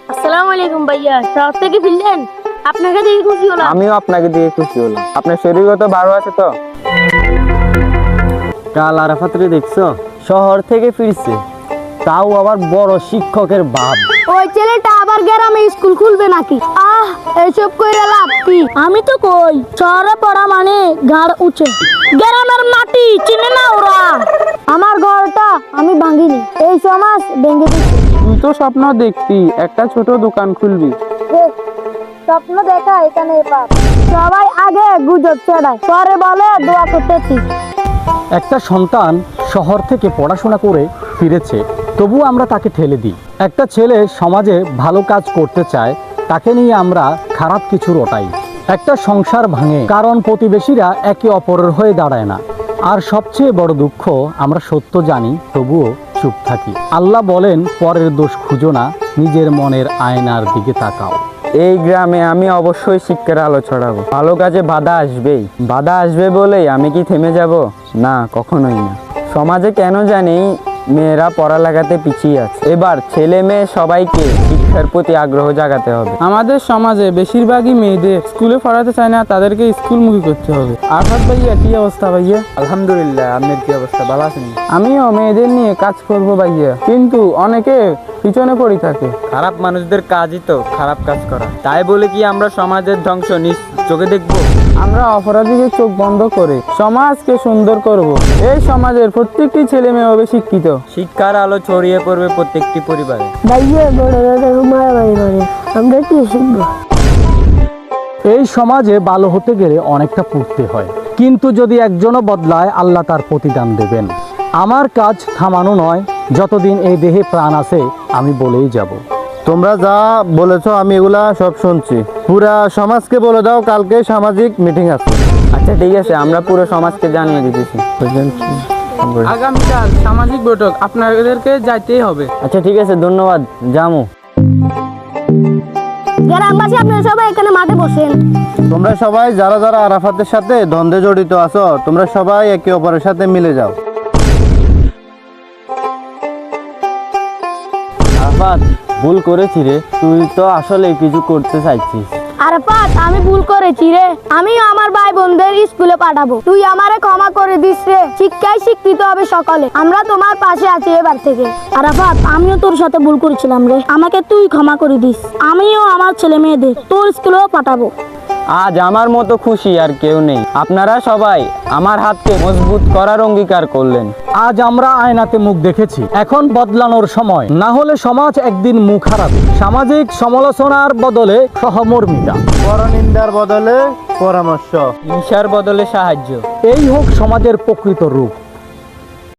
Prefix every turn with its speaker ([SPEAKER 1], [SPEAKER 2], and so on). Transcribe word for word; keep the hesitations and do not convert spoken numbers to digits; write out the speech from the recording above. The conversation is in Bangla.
[SPEAKER 1] আসসালামু আলাইকুম ভাইয়া, শহর থেকে ফিরলেন? আপনাকে দেখে খুশি হলাম।
[SPEAKER 2] আমিও আপনাকে দিয়ে খুশি হলাম। আপনার শরীরগত ভালো আছে তো?
[SPEAKER 3] কাল আরাফাতরে দেখছো? শহর থেকে ফিরছে, তাও আবার বড় শিক্ষকের বাপ।
[SPEAKER 1] ওই ছেলেটা আবার গ্রামে স্কুল খুলবে নাকি? আহ, এসব কইরা লাভ কি? আমি তো কই শহরে পড়া মানে ঘাড় উঁচে, গ্রামের মাটি চিনে না ওরা। আমার ঘরটা আমি ভাঙিনি, এই সমাজ ভেঙে দিচ্ছে।
[SPEAKER 2] তুই তো স্বপ্ন দেখতি একটা ছোট দোকান খুলবি।
[SPEAKER 1] দেখ, স্বপ্ন দেখা এখানে পাপ। সবাই আগে গুজব ছড়ায়, পরে বলে দোয়া করতেছি।
[SPEAKER 3] একটা সন্তান শহর থেকে পড়াশোনা করে ফিরেছে, তবুও আমরা তাকে ঠেলে দিই। একটা ছেলে সমাজে ভালো কাজ করতে চায়, তাকে নিয়ে আমরা খারাপ কিছু রটাই। একটা সংসার ভাঙে কারণ প্রতিবেশীরা একে অপরের হয়ে দাঁড়ায় না। আর সবচেয়ে বড় দুঃখ, আমরা সত্য জানি তবুও চুপ থাকি। আল্লাহ বলেন, পরের দোষ খুঁজো না, নিজের মনের আয়নার দিকে তাকাও।
[SPEAKER 2] এই গ্রামে আমি অবশ্যই শিক্ষার আলো ছড়াবো। ভালো কাজে বাধা আসবেই, বাধা আসবে বলেই আমি কি থেমে যাব? না, কখনোই না। সমাজে কেন জানি মেয়েরা পড়ালেখাতে পিছিয়ে আছে। এবার ছেলে মেয়ে সবাইকে শিক্ষার প্রতি আগ্রহ জাগাতে হবে।
[SPEAKER 4] আমাদের সমাজে বেশিরভাগই মেয়েদের স্কুলে পড়াতে চায় না, তাদেরকে স্কুলমুখী করতে হবে। আরফাত ভাইয়া, কি অবস্থা ভাইয়া?
[SPEAKER 2] আলহামদুলিল্লাহ, আপনার কি অবস্থা? ভালো আছেন?
[SPEAKER 4] আমিও মেয়েদের নিয়ে কাজ করব ভাইয়া, কিন্তু অনেকে পিছনে পড়ে থাকে।
[SPEAKER 2] খারাপ মানুষদের কাজই তো খারাপ কাজ করা। তাই বলে কি আমরা সমাজের ধ্বংস নিজ চোখে দেখবো?
[SPEAKER 4] আমরা অপরাধীকে চোখ বন্ধ করে সমাজকে সুন্দর করব। এই সমাজের প্রত্যেকটি ছেলে মেয়ে হবে শিক্ষিত।
[SPEAKER 2] শিক্ষার আলো ছড়িয়ে পড়বে প্রত্যেকটি পরিবারে।
[SPEAKER 1] ভাইয়া বড় দাদা মারামারি করে, আমরা কি শিখবো?
[SPEAKER 3] এই সমাজে ভালো হতে গেলে অনেকটা পড়তে হয়, কিন্তু যদি একজনও বদলায়, আল্লাহ তার প্রতিদান দেবেন। আমার কাজ থামানো নয়, যতদিন এই দেহে প্রাণ আছে আমি বলেই যাব।
[SPEAKER 5] তোমরা যা বলেছো আমি এগুলা সব শুনছি। পুরা সমাজকে বলে দাও কালকে সামাজিক মিটিং আছে।
[SPEAKER 2] আচ্ছা ঠিক আছে, আমরা পুরো সমাজকে জানিয়ে দিতেছি।
[SPEAKER 4] আগামীকাল সামাজিক বৈঠক, আপনাদেরকে যাইতেই হবে।
[SPEAKER 2] আচ্ছা ঠিক আছে, ধন্যবাদ, জামু।
[SPEAKER 1] গ্রামবাসী আপনারা সবাই এখানে মাঠে বসেন।
[SPEAKER 5] তোমরা সবাই যারা যারা আরাফাতের সাথে দ্বন্দ্বে জড়িত আছো, তোমরা সবাই একে অপরের সাথে মিলে যাও।
[SPEAKER 3] আরাফাত, ভুল করেছি রে, তুই তো আসলে কিছু করতে চাইছিস।
[SPEAKER 1] আরাফাত, আমি ভুল করেছি রে। আমিও আমার ভাই বোনদের স্কুলে পাঠাবো, তুই আমারে ক্ষমা করে দিস রে। শিক্ষায় শিক্ষিত হবে সকলে, আমরা তোমার পাশে আছি এবার থেকে। আরাফাত, আমিও তোর সাথে ভুল করেছিলাম রে, আমাকে তুই ক্ষমা করে দিস। আমিও আমার ছেলে মেয়েদের তোর স্কুলেও পাঠাবো।
[SPEAKER 2] আজ আমার মতো খুশি আর কেউ নেই। আপনারা সবাই আমার হাতকে মজবুত করার অঙ্গীকার করলেন।
[SPEAKER 3] আজ আমরা আয়নাতে মুখ দেখেছি, এখন বদলানোর সময়, না হলে সমাজ একদিন মুখ হারাবে। সামাজিক সমালোচনার বদলে সহমর্মিতা,
[SPEAKER 5] পরনিন্দার বদলে পরামর্শ,
[SPEAKER 2] হিংসার বদলে সাহায্য।
[SPEAKER 3] এই হোক সমাজের প্রকৃত রূপ।